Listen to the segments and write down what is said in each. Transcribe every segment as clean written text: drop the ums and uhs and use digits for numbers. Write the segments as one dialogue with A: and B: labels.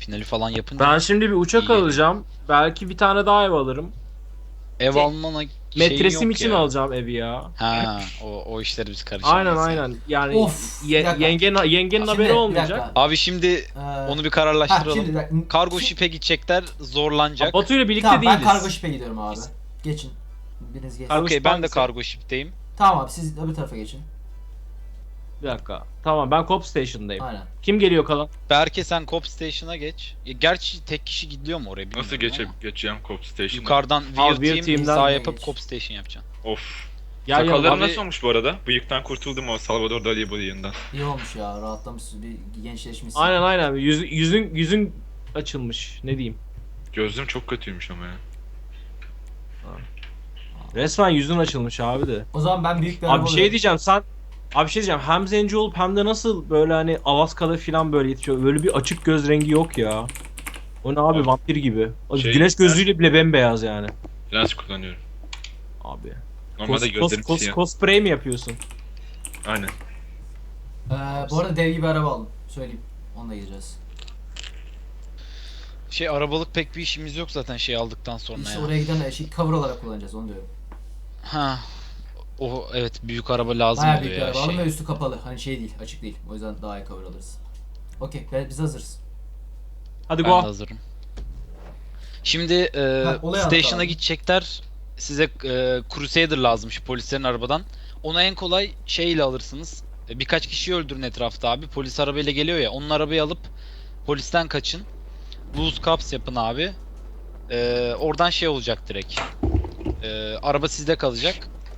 A: Finali falan yapınca.
B: Ben şimdi bir uçak
A: İyi.
B: alacağım. Belki bir tane daha ev alırım.
A: Ev almana şeyin
B: Metresim
A: yok
B: için
A: ya.
B: alacağım evi ya.
A: Ha, o işleri biz
B: Aynen
A: karışamayız ya.
B: aynen. Yani
C: Of, bir dakika.
B: yengenin
C: Şimdi,
B: haberi
C: bir
B: olmayacak.
C: dakika.
A: Abi şimdi onu bir
C: Şimdi
A: kararlaştıralım.
C: bir dakika.
A: Kargo ship'e gidecekler, zorlanacak.
B: Batu ile birlikte
C: Tamam, ben
B: değiliz.
C: kargo ship'e gidiyorum abi. Geçin. Biriniz geçin.
B: Kargo
A: Okey,
B: ship
A: ben de
B: hangisi?
A: kargo ship'teyim.
C: Tamam abi, siz öbür tarafa geçin.
B: Bir dakika. Tamam, ben Cop Station'dayım.
C: Aynen.
B: Kim geliyor kalan?
A: Berke sen Cop Station'a geç. Gerçi tek kişi gidiyor mu oraya bilmiyorum
D: Nasıl
A: ama.
D: geçeceğim Cop Station'a?
A: Yukarıdan
B: Abi,
A: Wheel
B: Wheel
A: Team
B: Team'den
A: sağ
C: de
A: yapıp
C: geç.
A: Cop Station yapacaksın.
D: Of.
B: Gel gel.
D: Sakallarım
A: abi.
D: nasıl olmuş bu arada? Bıyıktan kurtuldum o Salvador Dali bıyığından.
C: İyi olmuş ya, rahatlamışsın, bir gençleşmişsin.
B: Aynen aynen. Yüzün açılmış. Ne diyeyim?
D: Gözlüğüm çok kötüymüş ama ya.
B: Resmen yüzün açılmış abi de.
C: O zaman ben büyük bir
B: Abi
C: araba
B: bir şey
C: alıyorum.
B: diyeceğim, sen abi bir şey diyeceğim, hem zenci olup hem de nasıl böyle hani Alaska'da falan böyle yetişiyor. Böyle bir açık göz rengi yok ya. O ne abi,
D: Abi,
B: vampir gibi.
D: şey-
B: Güneş gözlüğüyle bile bembeyaz yani.
D: Lens kullanıyorum.
B: Abi.
D: Normalde gözlerim siyah.
B: Cosplay mi yapıyorsun?
D: Aynen.
C: Bu arada dev gibi araba aldım. Söyleyeyim. Onunla gideceğiz.
A: Arabalık pek bir işimiz yok zaten şey aldıktan sonra
C: İşte
A: ya.
C: oraya giden cover olarak kullanacağız, onu diyorum.
A: Ha. O evet, büyük araba lazım
C: Bayağı
A: oluyor
C: büyük bir
A: ya
C: araba aldım
A: şey.
C: ve üstü kapalı. Hani şey değil, açık değil. O yüzden daha iyi cover alırız. Okey, biz hazırız.
B: Hadi
A: Ben de
B: go.
A: hazırım. Şimdi
C: olay
A: station'a
C: anlat abi.
A: gidecekler. Size Crusader lazımmış polislerin arabadan. Onu en kolay şeyle alırsınız. Birkaç kişiyi öldürün etrafta abi. Polis arabayla geliyor ya. Onun arabayı alıp polisten kaçın. Loose Cops yapın abi. Oradan şey olacak direkt. Araba sizde kalacak.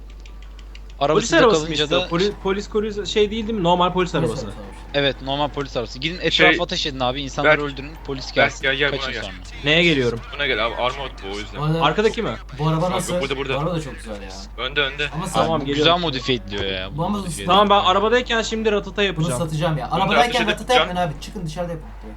A: Araba
B: Polis
A: sizde
B: arabası mı
A: kalınca
B: istiyor?
A: da
B: Polis şey değil mi? Normal polis arabası.
A: evet, normal polis arabası. Gidin etrafa
D: Şey-
A: ateş edin abi. İnsanları
D: Berk-
A: öldürün. Polis
D: Berk,
A: gelsin.
D: gel, buna
A: Kaçın
D: gel.
A: sonra.
B: Neye geliyorum?
D: Buna gel abi, Armut bu o yüzden.
C: Bu, arada,
B: Arkadaki mi?
C: bu araba
D: Bak,
C: nasıl?
D: burada.
C: Bu araba da çok güzel ya.
D: Önde.
C: Ama
B: Tamam,
A: Bu
B: geliyorum.
A: güzel modifiye ediliyor ya.
C: Bu ama
A: modifiye
B: Tamam, ben
A: ediliyor.
B: arabadayken şimdi ratata
C: Bunu
B: yapacağım.
C: satacağım ya.
D: Bunu da
C: Arabadayken
D: ateş
C: ratata
D: edeceğim.
C: yapmayın abi. Çıkın dışarıda yapın direkt.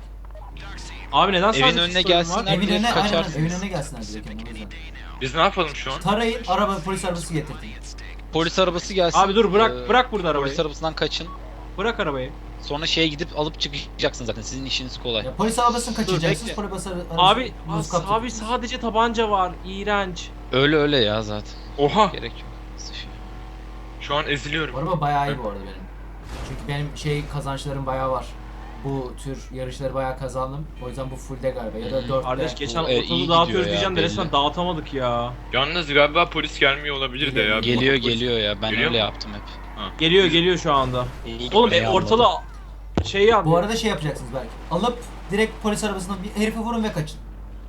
B: Abi neden sadece
A: Evin önüne
B: pistolün
A: gelsinler.
B: var?
C: Evin
A: direkt
C: önüne, aynen
A: kaçarsınız.
C: evin önüne gelsinler direkt yani, o yüzden.
D: Biz ne yapalım şu an?
C: Tarayın, araba polis arabası getirtin.
A: Polis arabası gelsin.
B: Abi dur, bırak burada arabayı.
A: Polis arabasından kaçın.
B: Bırak arabayı.
A: Sonra şeye gidip alıp çıkacaksınız zaten. Sizin işiniz kolay.
C: Ya, polis arabasını kaçıracaksınız,
B: bekle.
C: polis arabası...
B: Abi
C: buz kaplı.
B: abi sadece tabanca var. İğrenç.
A: Öyle ya zaten.
D: Oha!
A: Gerek yok. Sıçıyor.
D: Şu an eziliyorum.
C: Bu araba bayağı iyi bu arada benim. Çünkü benim kazançlarım bayağı var. Bu tür yarışları bayağı kazandım. O yüzden bu fullde galiba ya da 4'te.
B: Kardeş geçen
A: iyi
B: ortalığı
A: gidiyor
B: dağıtıyoruz
A: ya,
B: diyeceğim de resmen
A: belli.
B: dağıtamadık ya.
D: Yalnız galiba polis gelmiyor olabilir de ya.
A: Geliyor ya. Ben
D: Geliyor
A: öyle
D: mu?
A: yaptım hep.
B: Geliyor şu anda. Oğlum
A: Eyvallah.
B: ortalığı şey yap.
C: Bu arada şey yapacaksınız belki. Alıp direkt polis arabasından bir herife vurun ve kaçın.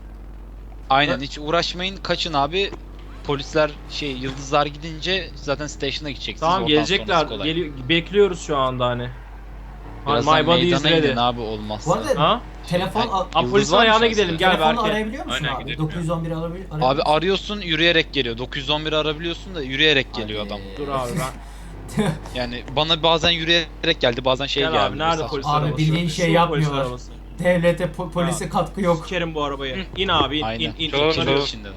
A: Aynen, hiç uğraşmayın. Kaçın abi. Polisler yıldızlar gidince zaten station'a gideceksiniz.
B: Tamam,
A: Oradan
B: gelecekler.
A: sonrası kolay.
B: Bekliyoruz şu anda hani.
A: Birazdan
B: My body is
A: meydana
B: ready.
A: gidin abi olmazsa.
C: Bu arada
B: Ha?
C: telefon
A: Ay,
C: al-
B: Abi
A: Yıldız
B: polisin
A: var mı
B: ayağına
A: şahsen?
B: gidelim, gel
C: telefonla
B: Berke.
C: arayabiliyor musun
D: Aynen,
C: abi?
D: gidelim
C: 911 arayabiliyor musun?
A: Abi arıyorsun, yürüyerek geliyor. 911 arabiliyorsun da yürüyerek geliyor
C: Hadi.
A: adam.
B: Dur abi ben.
A: Yani bana bazen yürüyerek geldi, bazen
B: Gel
A: geldi.
B: abi, nerede
A: Saçma.
B: polis
C: Abi
B: arabası?
C: bildiğin şey
B: Şu
C: yapmıyorlar.
B: polis arabası.
C: Devlete, polise katkı yok.
B: Sikerim bu arabayı. İn abi, in
A: Aynen.
B: in.
D: Çalalım,
A: İçinde-
D: çalalım.
A: içindeler.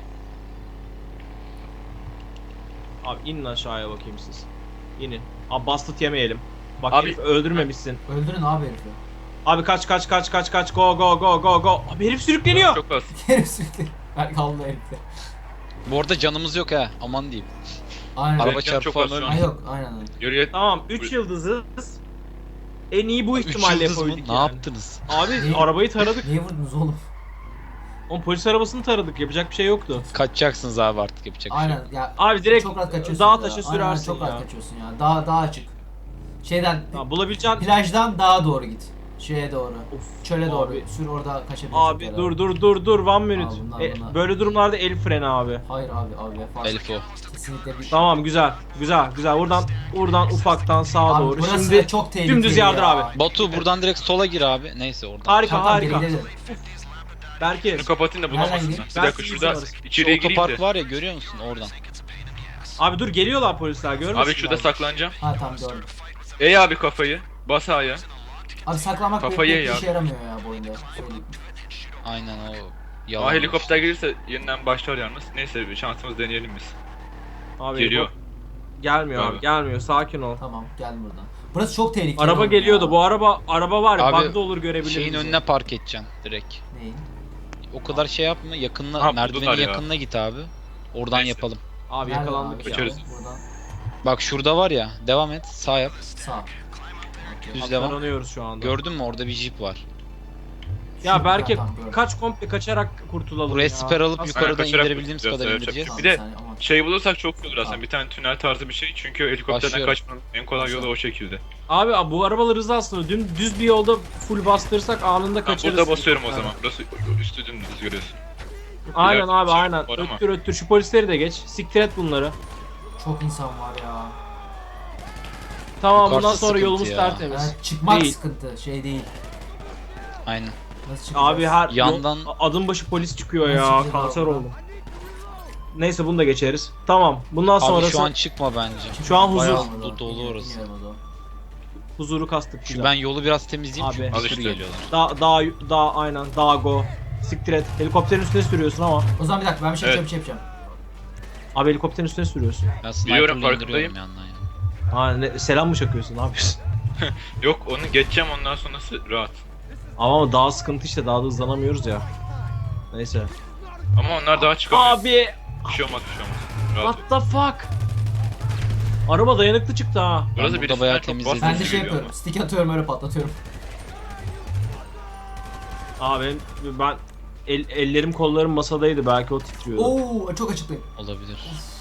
B: Abi inin aşağıya bakayım siz. İnin. Abi bastıt yemeyelim. Bak
D: Abi-
B: herif öldürmemişsin.
C: Öldürün abi herifi.
B: Abi kaç go. Abi herif sürükleniyor.
D: Çok az.
C: Herif sürekli. Ben kaldı herifte.
A: Bu arada canımız yok ha, aman diyeyim.
C: Aynen.
A: Araba
D: Evet,
A: çarpı
D: çok
A: falan
D: az şu an.
C: Ay
A: ölmüyor.
C: yok, aynen.
D: Yürüye...
B: Tamam 3 yıldızız. En iyi bu
A: 3
B: ihtimalle
A: yıldız mı?
B: koyduk
A: Ne
B: yani.
A: yaptınız?
B: Abi
C: Ne?
B: arabayı taradık.
C: Niye vurdunuz oğlum?
B: Oğlum polis arabasını taradık. Yapacak bir şey yoktu.
A: Kaçacaksınız abi, artık yapacak bir şey
C: Aynen
A: yok.
C: ya.
B: Abi direkt
C: çok rahat kaçıyorsun.
B: dağ
C: ya.
B: taşa
C: Aynen,
B: sürersin
C: çok
B: ya.
C: rahat kaçıyorsun ya. Daha açık. Şeyden
B: Ha, bulabileceğin...
C: plajdan dağa doğru git. Şeye doğru.
B: Of,
C: Çöle
B: abi.
C: doğru. Sür, orada kaçabilirsin.
B: Abi dur 1 minute.
C: bunlar.
B: Böyle durumlarda el freni abi.
C: Hayır abi vefat.
A: Elif o.
C: Kesinlikle bir...
B: Tamam, güzel. Buradan ufaktan sağa
C: Abi
B: doğru.
C: burası
B: Şimdi
C: çok tehlikeli
B: dümdüz yardır
C: ya.
B: abi.
A: Batu buradan direkt sola gir abi. Neyse oradan.
B: Harika
C: Tamam, geri
B: harika.
C: gidelim.
B: Berke.
D: Şunu kapatayım da
C: Nereden
D: bulamasınlar.
C: gideyim?
D: Bir dakika
B: Ben
D: şurada
B: sizi
A: Şu
D: içeriye gireyim
A: otopark
D: de.
A: var ya, görüyor musun oradan?
B: Abi dur, geliyorlar polisler, görmüyorsun.
D: Abi şurada saklanacağım.
C: Ha tamam gördüm.
D: Ey abi kafayı. Bas A'ya.
C: Abi saklamak
D: Kafayı
C: pek
D: ya.
C: işe yaramıyor ya bu oyunda. Söyleyeyim.
A: Aynen o.
D: Ama
A: Yalan.
D: helikopter gelirse yeniden başlar yalnız. Neyse bir şansımız deneyelim biz.
B: Abi,
D: Geliyor.
B: Gelmiyor
D: Abi.
B: abi, gelmiyor. Sakin ol.
C: Tamam geldim buradan. Burası çok tehlikeli.
B: Araba
C: oğlum
B: geliyordu.
C: ya.
B: Bu araba var ya,
A: Abi,
B: bug'da olur görebilir
A: Şeyin
B: bizi.
A: önüne park edeceksin direkt.
C: Neyin?
A: O kadar şey yapma. Yakınına,
D: Ha,
A: merdivenin
D: buldular ya.
A: yakınına git abi. Oradan
D: Neyse.
A: yapalım.
B: Abi
C: Nerede
B: yakalandık
C: abi?
B: ya.
D: Kaçarız.
C: Buradan
A: Bak şurada var ya. Devam et. Sağ yap.
C: sağ. Okey.
A: Düz devam.
B: Yakalanıyoruz şu anda.
A: Gördün mü orada bir jeep var.
B: Ya belki
C: Tamam, gördüm.
B: kaç komple kaçarak kurtulalım
A: Buraya
B: ya.
A: siper alıp
B: Nasıl-
A: yukarıdan
D: kaçarak
A: indirebildiğimiz
D: kurtulacağız,
A: kadar
D: evet.
A: indireceğiz.
C: Tamam,
D: Bir de-
C: saniye, aman.
D: Şey bulursak çok iyi olur aslında.
C: Tamam.
D: Bir tane tünel tarzı bir şey. Çünkü helikopterden
A: Başlıyorum.
D: kaçmanın en kolay yolu o şekilde.
B: Abi bu arabalar hızlı aslında. Düz bir yolda full bastırırsak anında
D: Ben
B: kaçarız.
D: burada basıyorum o
C: Evet.
D: zaman. Burası üstü dümdüz görüyorsun.
B: Aynen
D: İleride
B: abi
D: bir şey
B: aynen.
D: var ama.
B: Öttür şu polisleri de geç. Siktir et bunları.
C: Çok insan var ya.
B: Tamam
A: Yukarısı
B: bundan sonra
A: sıkıntı
B: yolumuz
A: ya.
B: tertemiz.
C: Yani çıkmak
B: Değil.
C: sıkıntı, şey değil.
A: Aynen.
C: Nasıl çıkacağız?
B: Abi her
A: Yandan-
B: adım başı polis çıkıyor
C: Nasıl
B: ya.
C: çıkacağız
B: Kanser
C: abi?
B: oldum. Neyse bunu da geçeriz. Tamam. Bundan
A: Abi
B: sonrası
A: şu an çıkma bence.
B: Şu an huzur.
A: Bayağı
C: Bilmiyorum
A: dolu
C: o.
A: orası.
C: Bilmiyorum o da.
B: huzuru kastık.
A: Şu
B: güzel.
A: ben yolu biraz temizleyeyim
B: Abi.
A: çünkü
D: Al
A: bir sürü
D: işte.
A: geliyorlar.
B: Daha aynen. Daha go. Siktir et. Helikopterin üstüne sürüyorsun ama.
C: O zaman bir dakika ben bir şey
D: Evet.
C: yapacağım, bir şey yapacağım.
B: Abi helikopterin üstüne sürüyorsun.
A: Ben
D: Biliyorum,
A: sniper'la
D: farkındayım.
A: indiriyorum yandan ya.
B: Ha selam mı çakıyorsun? Ne yapıyorsun?
D: Yok onu geçeceğim ondan sonrası rahat.
B: Ama daha sıkıntı işte. Daha da hızlanamıyoruz ya. Neyse.
D: Ama onlar daha çıkamıyor.
B: Abi.
D: Bir şey olmaz bir şey olmaz. Rahat
B: What the fuck? Araba dayanıklı çıktı ha.
A: Ben
D: Burası
A: burada
D: birisinden
A: bayağı
D: çok
A: temizledim.
D: bahsediyor
C: Ben de şey
D: geliyor
C: yapıyorum, stick atıyorum öyle patlatıyorum.
B: Abi ben ellerim kollarım masadaydı. Belki o titriyordu.
C: Oo çok açıklıyım.
A: Olabilir.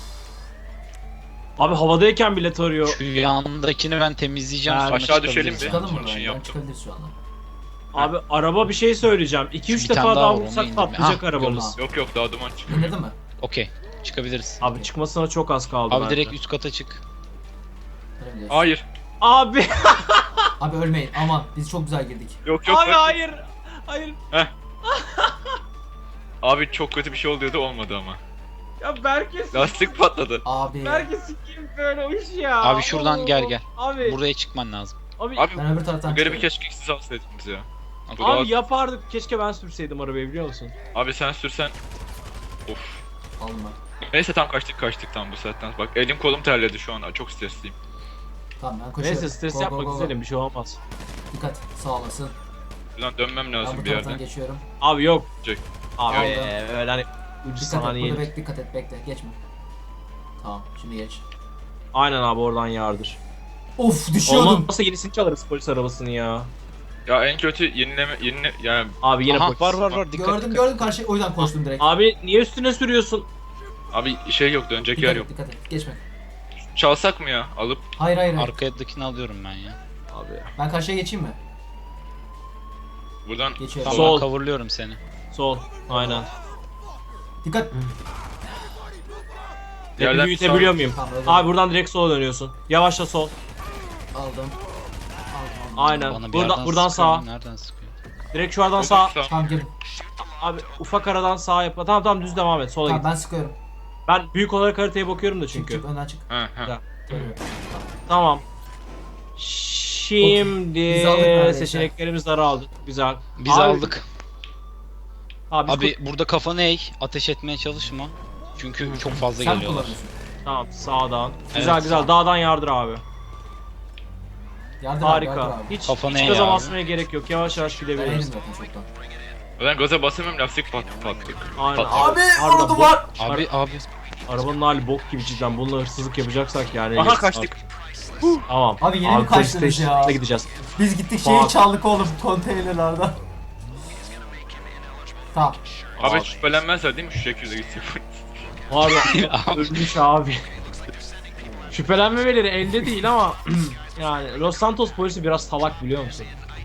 B: Abi havadayken bile tarıyor.
A: Şu yandakini ben temizleyeceğim.
B: Ha,
A: sonra
D: aşağı düşelim
A: çıkabiliriz
D: bir.
A: yani.
C: Çıkalım
D: Onun
C: buradan
D: için
C: ya,
D: yaptım.
C: çıkabiliriz şu anda.
B: Abi araba bir şey söyleyeceğim.
A: Şu
B: 2-3
A: bir tane
B: defa
A: daha
B: daha
A: var, onu
B: vursak
A: indim.
B: patlayacak
A: Ah,
B: arabamız.
D: Yok yok daha duman çıkıyor.
C: İndirdin mi?
A: Okey. Çıkabiliriz.
B: Abi çıkmasına çok az kaldı
A: Abi
B: bence.
A: direkt üst kata çık.
C: Öyle mi diyorsun?
D: Hayır.
B: Abi.
C: Abi ölmeyin aman biz çok güzel girdik.
D: Yok yok.
B: Abi
D: bak.
B: hayır. Hayır.
D: Abi çok kötü bir şey oluyordu olmadı ama.
B: Ya Berke
D: Lastik patladı.
C: Abi
B: Berke sikeyim böyle o iş ya.
A: Abi şuradan gel, gel.
B: Abi.
A: Buraya çıkman lazım.
B: Abi.
D: Abi
C: ben öbür taraftan
D: bu garibi
C: çıkıyorum.
D: keşke siz alsaydınız ya.
A: Abi,
D: Bu daha-
B: Abi yapardık. Keşke ben sürseydim arabayı biliyor musun?
D: Abi sen sürsen. Of.
C: Aldım ben.
D: Neyse tam kaçtık tam bu saatten. Bak elim kolum terledi şu an. Çok stresliyim.
C: Tamam ben koşuyorum.
B: Neyse stres
C: Go,
B: yapma
C: go, go, go.
B: güzelim bir şey olmaz.
C: Dikkat sağ olasın.
D: Buradan dönmem
C: Ben
D: lazım
C: bu
D: bir
C: taraftan
D: yerden.
C: geçiyorum.
B: Abi yok.
D: Jack.
B: Abi
C: Aldım.
B: öyle hani ucu
C: Dikkat et
B: saniye.
C: burada dikkat et bekle geçme. Tamam şimdi geç.
B: Aynen abi oradan yardır.
C: Of düşüyordum.
B: Olmazsa yenisini çalarız polis arabasını ya.
D: Ya en kötü yani
B: Abi yine
A: Aha,
B: polis.
A: var dikkat
C: Gördüm
A: dikkat.
C: gördüm karşı o yüzden koştum direkt.
B: Abi niye üstüne sürüyorsun?
D: abi şey yok dönecek yer
C: Dikkat
D: yok.
C: et dikkat et geçme.
D: Çalsak mı ya alıp
C: Hayır hayır hayır.
A: Arkadakini alıyorum ben ya.
B: Abi.
C: Ben karşıya geçeyim mi?
D: buradan
C: Geçiyorum.
A: Tamam
B: Sol.
A: ben coverlıyorum seni.
B: Sol. Aynen.
C: Dikkat.
B: Rapi büyütebiliyor muyum?
C: Tamam öyle.
B: Abi buradan direkt sola dönüyorsun. Yavaşla sol.
C: Aldım.
B: Aynen.
A: Bana bir
B: Buradan
A: yerden
B: buradan
A: sıkıyor,
B: sağa.
A: Nereden sıkıyor?
B: Direkt şuradan sağa.
C: Tamam girdim.
B: Abi ufak aradan sağa yap. Tamam düz devam et. Sola
C: Tamam
B: git.
C: ben sıkıyorum.
B: Ben büyük olarak haritaya bakıyorum da
C: Çık
B: çünkü.
C: çık önden çık.
D: Ha ha.
B: Ya.
C: Görüyorum.
B: Tamam. Şimdi
C: Biz aldık neredeyse.
B: seçeneklerimiz daraldı. Güzel.
A: Biz
B: Abi-
A: aldık.
B: Abi,
A: Abi burada kafanı eğ. Ateş etmeye çalışma. Çünkü çok fazla
C: Sen mi
A: geliyorlar.
C: kullanıyorsun?
B: tamam sağdan. Güzel
A: Evet.
B: güzel. Dağdan yardır abi.
C: Yardım
B: Harika.
C: Abi, yardım abi.
B: Hiç
A: Kafanı
B: hiç
A: eğ
B: gaza
A: abi.
B: basmaya gerek yok. Yavaş yavaş
C: Ben elim
B: gidebiliriz.
C: zaten çoktan.
D: Ben gaza basamıyorum lastik patladı.
B: Aynen.
D: Abi,
B: harbiden
C: orada
B: bok-
C: var.
A: Abi
B: Arabanın hali bok gibi cidden. Bununla hırsızlık yapacaksak yani.
D: Aha kaçtık.
B: Tamam.
C: Abi yeni mi
B: polis
C: kaçtınız ya?
B: station'ına gideceğiz.
C: Biz gittik
B: Tamam.
C: şeyi çaldık oğlum konteynerlerden. Tamam.
D: Abi şüphelenmezler değil mi şu şekilde gitsin.
B: Abi ölmüş abi. Şüphelenmemeleri elde değil ama yani Los Santos polisi biraz salak biliyor musun?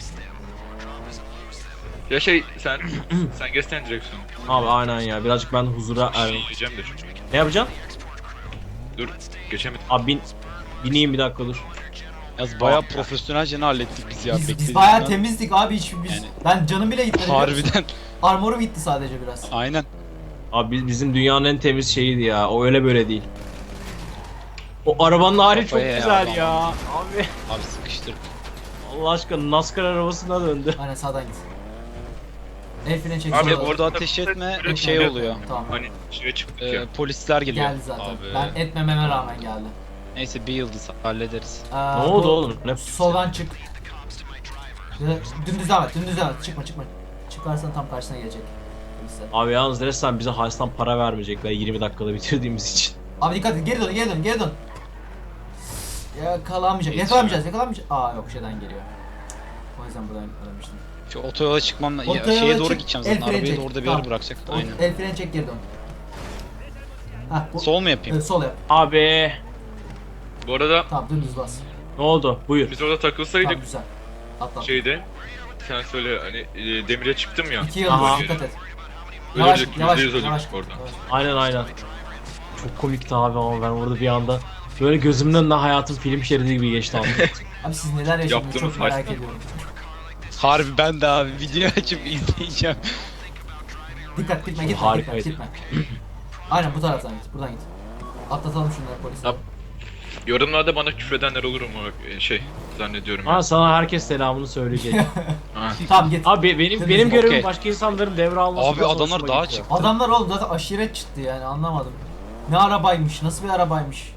D: Ya sen geçsene direksiyonu.
B: Abi aynen ya birazcık ben huzura
D: Bir şey
B: erdim.
D: yiyeceğim de çünkü.
B: Ne yapacaksın?
D: Dur geçemedim.
B: Abi bineyim bir dakika dur.
A: yaz bayağı profesyonelce hallettik biz ya.
C: Biz
A: beklediğimden.
C: bayağı temizdik abi hiç biz.
A: Yani-
C: Ben canım bile gitmedi. biliyor musun?
A: Harbiden.
C: Armorum gitti sadece biraz.
A: Aynen.
B: Abi bizim dünyanın en temiz şeyiydi ya. O öyle böyle değil. O arabanın hali çok
A: Kafaya
B: güzel
A: ya,
B: ya.
A: adam.
B: Abi
A: Abi sıkıştır.
B: Allah aşkına NASCAR arabasına döndü.
C: Aynen sağdan git. El freni çek.
D: Abi
C: sola.
A: Orada ateş etme
D: Evet,
A: şey
D: evet.
A: oluyor.
C: Tamam.
D: Hani şeye çıktık ya.
A: Polisler geliyor.
C: Geldi zaten.
A: Abi.
C: Ben etmememe rağmen geldi.
A: Neyse bir yıldız hallederiz.
B: Ne oldu oğlum? Ne?
C: Soldan çık. Dümdüz devam et, dümdüz devam et. Çıkma. Çıkarsan tam karşısına gelecek. Polisler.
B: Abi yalnız resmen bize Haris'tan para vermeyecekler 20 dakikada bitirdiğimiz için.
C: Abi dikkat et, geri dön. Yakalamayacak. Aa yok, şeyden geliyor. O yüzden buradan yakalamıştım.
A: Şu otoyola çıkmam ya,
C: Otoyola
A: şeye doğru
C: çık,
A: gideceğim
C: el
A: zaten.
C: freni
A: Arabayı da
C: çek.
A: orada bir
C: Tamam.
A: yere bırakacak. Aynen.
C: El freni çek, geri dön. Hah, bu,
A: Sol mu yapayım?
C: sol yap.
B: Abi
D: Bu arada
C: Tamam, dümdüz bas.
B: ne oldu? Buyur.
D: biz orada takılsaydık
C: Tamam, güzel. Atla.
D: şeyde sen söyle hani demire çıktım ya.
C: 2
B: Aha.
C: yıldız, dikkat et.
D: Öyle
C: Yavaş,
D: bir
C: yavaş,
D: %100
C: yavaş.
D: öldük oradan.
B: Aynen. Çok komikti abi ama ben orada bir anda böyle gözümün önünden hayatım film şeridi gibi geçti abi.
C: Abi siz neler yaşadınız
D: Yaptığımız
C: çok merak
D: maçta.
C: ediyorum.
A: Harbi ben de abi video açıp izleyeceğim.
C: Dikkat, gitme.
B: Harikaydı.
C: Aynen bu taraftan git, buradan git. Atlatalım şunları polise.
D: Yap. Yorumlarda bana küfredenler olur mu zannediyorum.
B: Ha sana herkes selamını söyleyecek.
D: Ha.
C: Tamam git.
B: Abi benim görevim
A: Okey.
B: başka insanların devralması.
A: Abi
B: biraz
A: adamlar
B: hoşuma
A: dağa
B: gitti.
A: çıktı.
C: Adamlar oğlum zaten aşiret çıktı yani, anlamadım. Ne arabaymış, nasıl bir arabaymış.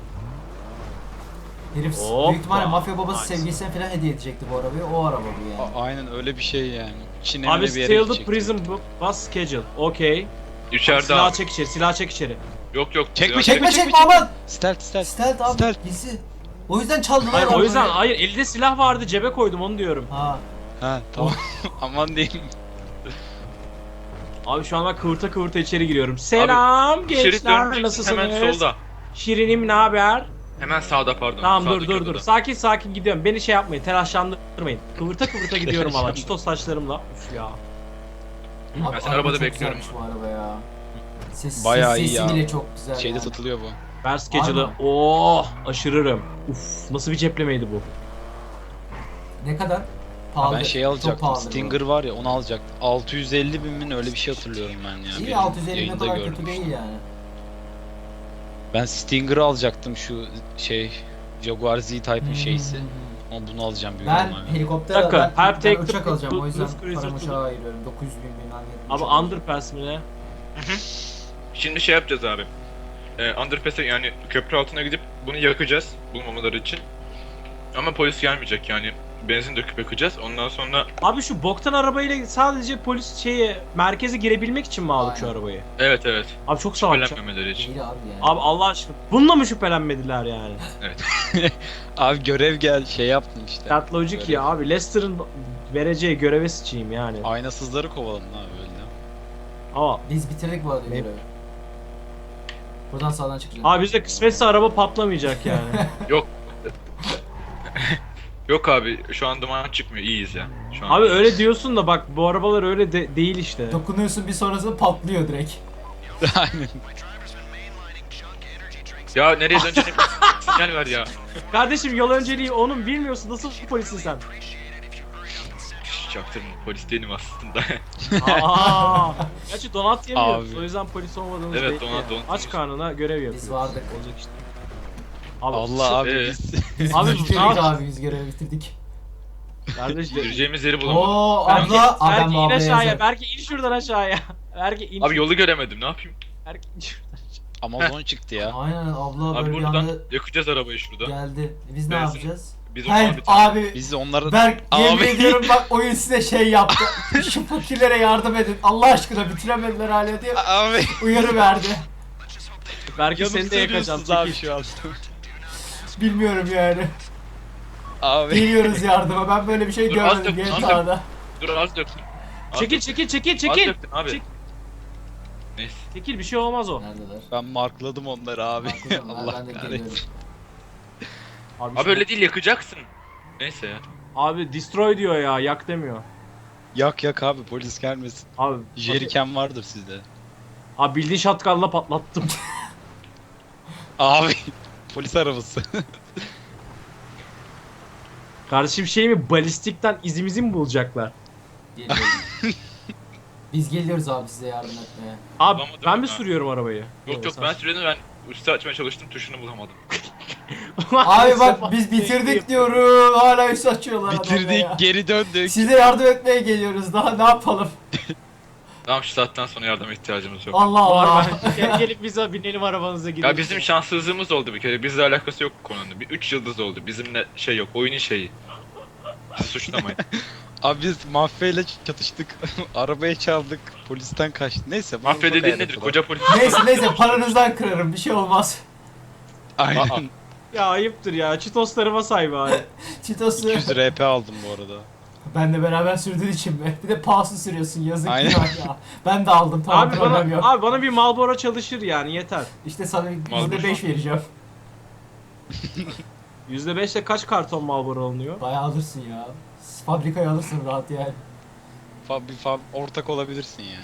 C: Herif
B: Hoppa.
C: büyük ihtimalle mafya babası
B: Nice.
C: sevgilisine falan hediye edecekti bu arabayı. O araba bu yani.
A: Aynen öyle bir şey yani. Çin
B: Abi
A: evine bir yere
B: Steal the
A: gidecekti.
B: Prison Bus Schedule. Okey.
D: İçeride
B: Silah
D: abi.
B: çek içeri, silah çek içeri.
D: Yok yok.
A: Çekme,
D: silah-
C: Çekme aman!
A: Stealth.
C: Stealth abi,
A: Stealth.
C: gizli. O yüzden çaldılar
B: Hayır o
C: arabayı.
B: yüzden elde silah vardı cebe koydum onu diyorum.
C: Ha.
A: Ha tamam. Aman diyeyim.
B: Abi şu an ben kıvırta içeri giriyorum. Selam
D: Şerit
B: gençler
D: döneceksin
B: nasılsınız?
D: hemen solda.
B: Şirinim ne haber?
D: Hemen sağda pardon.
B: Tamam
D: Sağdaki
B: dur.
D: odada.
B: Sakin gidiyorum. Beni şey yapmayın, telaşlandırmayın. Kıvırta gidiyorum valla. Çitos saçlarımla. Üf ya.
C: Abi,
D: Ben seni
C: araba
D: arabada
C: çok
D: bekliyorum.
C: güzelmiş bu araba ya.
A: Bayağı iyi
C: sesi
A: ya.
C: bile çok güzel
A: Şeyde
C: yani.
A: satılıyor bu.
B: Ver schedule'ı.
C: Aynen.
B: Oh aşırırım. Uf nasıl bir ceplemeydi bu?
C: Ne kadar? Pahalı.
A: Ben şey
C: Çok
A: alacaktım.
C: pahalı bu.
A: Stinger var ya onu alacaktım. 650 bin mi öyle bir şey hatırlıyorum ben ya.
C: İyi,
A: Benim
C: 650 ne
A: yayında
C: kadar
A: gördüm
C: kötü değil
A: işte.
C: yani.
A: Ben Stinger'ı alacaktım şu şey Jaguar Z-Type'ın şeysi. Ama bunu alacağım büyük
C: Ben
A: ihtimalle.
C: helikopter
B: Dakika,
C: ben,
B: help
C: ben
B: take the
C: uçak alacağım o yüzden
B: Blues Cruiser
C: paramı
B: to-
C: uçağa ayırıyorum. 900 bin bilmem ne.
B: Abi
C: uçak.
B: underpass mi ne?
D: Şimdi şey yapacağız abi. Underpass'e yani köprü altına gidip bunu yakacağız bulmamaları için. Ama polis gelmeyecek yani. Benzin döküp yakacağız. Ondan sonra
B: Abi şu boktan arabayla sadece polis merkeze girebilmek için mi aldık şu
C: Aynen.
B: arabayı?
D: evet.
B: Abi çok salakça.
D: Şüphelenmemeleri için.
C: Değil abi yani.
B: Abi Allah aşkına bununla mı şüphelenmediler yani?
A: Abi görev gel şey yaptın işte.
B: That logic
A: Görev.
B: ya abi Leicester'ın vereceği göreve sıçayım yani.
A: Aynasızları kovaladın abi öyle.
B: Ama
C: Biz bitirdik bu arada
B: Ne?
C: görevi. Buradan sağdan çıkacağız.
B: abi bizde kısmetse araba patlamayacak yani.
D: Yok abi şu an duman çıkmıyor. İyiyiz ya. Şu an
B: Abi
D: iyiyiz.
B: öyle diyorsun da bak bu arabalar öyle değil işte.
C: Dokunuyorsun bir sonrasında patlıyor direkt.
A: Aynen.
D: Ya nereye döneceğini sinyal ver ya.
B: Kardeşim yol önceliği onun bilmiyorsun nasıl polisin sen?
D: Çaktırma polis değilim aslında.
B: Aa. Gerçi donat yemiyoruz
A: Abi.
B: o yüzden polis olmadığımız
D: Evet,
B: belli.
D: donat
B: Aç
D: yiyoruz.
B: karnına görev yapıyoruz.
C: Biz vardık.
B: Olacak işte. Abi,
A: Allah abi
D: Ee?
A: biz
B: Abi
C: bitirdik
B: ne yap-
C: abi, biz görevi bitirdik.
B: Kardeş
D: Gireceğimiz yeri bulamadım.
C: Oo
B: Berke,
C: abla, abi
B: Berke
C: ben bu
B: in
C: ablaya
B: aşağıya.
C: yazarım.
B: Berke in şuradan aşağıya. Berke in.
D: Abi yolu göremedim ne yapayım?
B: Berke in şuradan.
A: Amazon çıktı ya.
C: Aynen abla
D: Abi
C: böyle bir
D: buradan
C: anda
D: yakacağız arabayı şurada.
C: geldi. Biz ne
D: Benzin-
C: yapacağız?
D: Biz onu
C: Help
D: abi
C: abi.
A: Biz de onları
C: Berk yemin
A: Abi.
C: ediyorum bak oyun size şey yaptı. Şu fakirlere yardım edin. Allah aşkına bitiremediler hala diye
A: abi
C: uyarı verdi.
B: Berke
A: yanıp
B: seni de yakacağım.
A: söylüyorsunuz abi
B: Çekil.
A: şu an.
C: Bilmiyorum yani.
A: Abi
C: Geliyoruz yardıma. Ben böyle bir şey
D: Dur, az
C: görmedim
D: dök, az
C: GTA'da.
D: Dur az döktüm. Az
B: Çekil
D: döktüm.
B: çekil çekil
D: Az
B: çekil.
D: döktüm abi.
B: Çek-
D: Neyse.
B: Çekil bir şey olmaz o.
C: Neredeler?
A: ben markladım onları abi. Allah
C: Ben de
A: kahretsin.
C: geliyorum.
D: Abi öyle değil yakacaksın. Neyse ya.
B: Abi destroy diyor ya yak demiyor.
A: Yak abi polis gelmesin.
B: Abi
A: Jerrycan vardır sizde.
B: Abi bildiğin şatkanla patlattım.
A: Abi polis arabası.
B: Kardeşim şey mi balistikten izimizi mi bulacaklar?
C: Geliyorum. Biz geliyoruz abi size yardım etmeye.
B: Abi
D: Bulamadım
B: ben mi
D: ben.
B: sürüyorum arabayı?
D: Yok yok ben süredim ben üstü açmaya çalıştım tuşunu bulamadım.
C: Abi bak biz bitirdik diyorum. Hala üst açıyorlar adamla ya.
A: Bitirdik geri döndük.
C: Size yardım etmeye geliyoruz. Daha ne yapalım?
D: Tamam şu saatten sonra yardıma ihtiyacımız yok.
C: Allah Allah.
B: Var gelip bize binelim arabanıza gidelim.
D: Ya bizim şanssızlığımız oldu bir kere. Bizle alakası yok bu konunun. Bir 3 yıldız oldu. Bizimle şey yok. Oyunun şeyi. Bizi suçlamayın.
A: Abi biz mafyayla çatıştık. Arabayı çaldık. Polisten kaçtık. Neyse. bu
D: Mafya
A: çok
D: dediğin
A: ayrıntılı.
D: nedir? Koca polis.
C: Neyse paranızdan kırarım bir şey olmaz.
A: Aynen.
B: Ya ayıptır ya. Çitoslarıma say bari.
C: Çitosu
A: 200 RP aldım bu arada.
C: benle beraber sürdüğün için mi? Bir de pahası sürüyorsun yazık
A: Aynen.
C: günah ya. Ben de aldım tamam
B: abi
C: problem yok.
B: bana bir Marlboro çalışır yani yeter.
C: İşte sana
D: Marlboro.
C: %5 vereceğim.
B: %5'le kaç karton Marlboro alınıyor?
C: Bayağı alırsın ya. Fabrikaya alırsın rahat yani.
A: Ortak olabilirsin ya.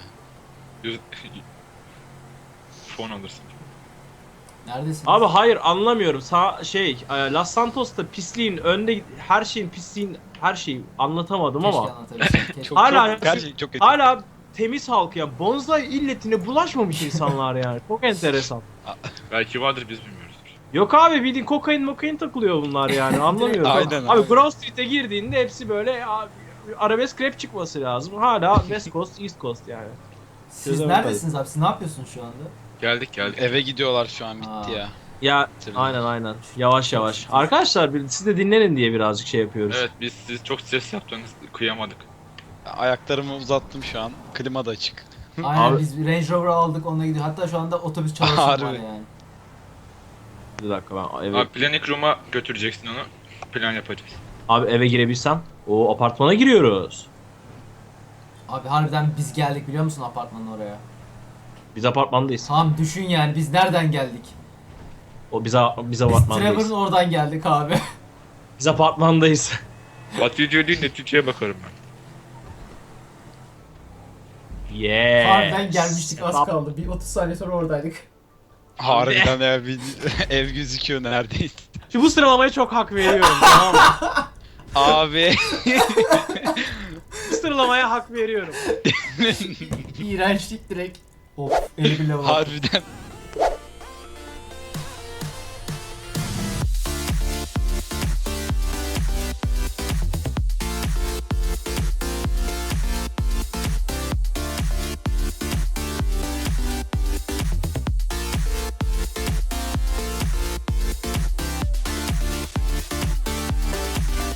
D: Fon alırsın.
C: Neredesin?
B: Abi hayır anlamıyorum. Los Santos'ta pisliğin önde her şeyin her şeyi anlatamadım
C: Keşke
B: ama
C: anlatabilsem. Keşke.
A: Çok
B: Hala-
A: çok gerçekten çok kötü.
B: hala temiz halk ya. Bonsai illetine bulaşmamış insanlar yani. Çok enteresan.
D: Belki vardır biz bilmiyoruzdur.
B: Yok abi bildiğin kokain takılıyor bunlar yani anlamıyorum.
A: Aynen
B: Abi
A: abi.
B: Grove Street'e girdiğinde hepsi böyle abi, arabesk rap çıkması lazım. Hala West Coast, East Coast yani.
C: Siz
B: Çözemedim.
C: neredesiniz abi? Siz ne yapıyorsunuz şu anda?
D: Geldik.
A: Eve gidiyorlar şu an bitti
C: Aa.
A: ya.
B: Ya
A: Bitirdim.
B: aynen. Yavaş yavaş. Arkadaşlar siz de dinlenin diye birazcık şey yapıyoruz.
D: Evet biz siz çok stres yaptınız. Kıyamadık.
A: Ayaklarımı uzattım şu an. Klima da açık.
C: Aynen
B: Abi-
C: biz Range Rover aldık onunla gidiyor. Hatta şu anda otobüs çalışıyor var
A: Harbi.
C: yani.
B: Bir dakika ben eve,
D: Abi Panic Room'a götüreceksin onu. Plan yapacağız.
B: eve girebilsem. O apartmana giriyoruz.
C: Abi harbiden biz geldik biliyor musun apartmanın oraya?
B: Biz apartmandayız.
C: Tamam düşün yani biz nereden geldik?
B: Biz
C: Biz
B: apartmandayız.
C: Trevor'ın oradan geldik abi.
B: Biz apartmandayız.
D: Netice değil neticeye bakarım ben.
B: Yeah.
C: Harbiden gelmiştik az kaldı. Bir 30 saniye sonra oradaydık.
A: Harbiden ev gözüküyor neredeyse.
B: Şu bu sıralamaya çok hak veriyorum tamam mı?
A: Abi.
B: Bu sıralamaya hak veriyorum.
C: İğrençlik direkt. Of 50 bile var.
A: Harbiden